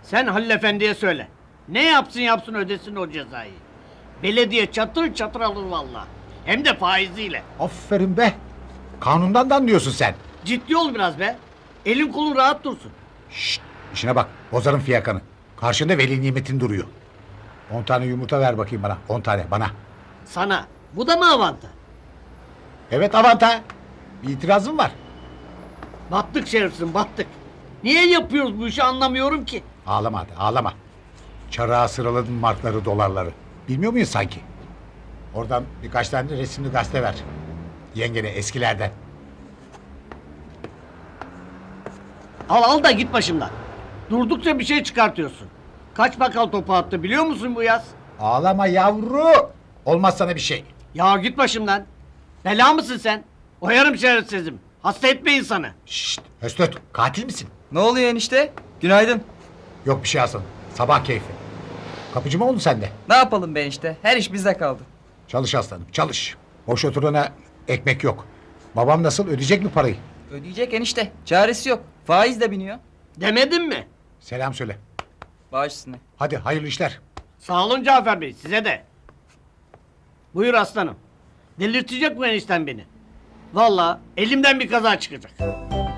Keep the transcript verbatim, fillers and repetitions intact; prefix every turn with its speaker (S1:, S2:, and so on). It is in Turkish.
S1: Sen Halil Efendi'ye söyle. Ne yapsın yapsın ödesin o cezayı. Belediye çatır çatır alır vallahi. Hem de faiziyle.
S2: Aferin be. Kanundan da anlıyorsun sen.
S1: Ciddi ol biraz be. Elin kolun rahat dursun.
S2: Şşt, işine bak. Bozarım fiyakanı. Karşında veli nimetin duruyor. On tane yumurta ver bakayım bana. On tane bana.
S1: Sana. Bu da mı avanta?
S2: Evet Avanta. Bir itirazım var.
S1: Battık şerefsin battık. Niye yapıyoruz bu işi anlamıyorum ki.
S2: Ağlama hadi ağlama. Çarığa sıraladın markları dolarları. Bilmiyor muyuz sanki? Oradan birkaç tane de resimli gazete ver. Yengene eskilerden.
S1: Al al da git başımdan. Durdukça bir şey çıkartıyorsun. Kaç bakal topu attı biliyor musun bu yaz?
S2: Ağlama yavru. Olmaz sana bir şey.
S1: Ya git başımdan. Bela mısın sen? Oyarım şerefsizim. Hasta etme insanı.
S2: Şşt Höstöt katil misin?
S3: Ne oluyor enişte? Günaydın.
S2: Yok bir şey Hasan. Sabah keyfi. Kapıcı mı oldun sen de?
S3: Ne yapalım be enişte? Her iş bizde kaldı.
S2: Çalış aslanım çalış. Boş oturana ekmek yok. Babam nasıl ödeyecek mi parayı?
S3: Ödeyecek enişte. Çaresi yok. Faiz de biniyor.
S1: Demedim mi?
S2: Selam söyle.
S3: Bağış üstüne.
S2: Hadi hayırlı işler.
S1: Sağ olun Cafer Bey size de. Buyur aslanım. Delirtecek bu enişten beni. Vallahi elimden bir kaza çıkacak.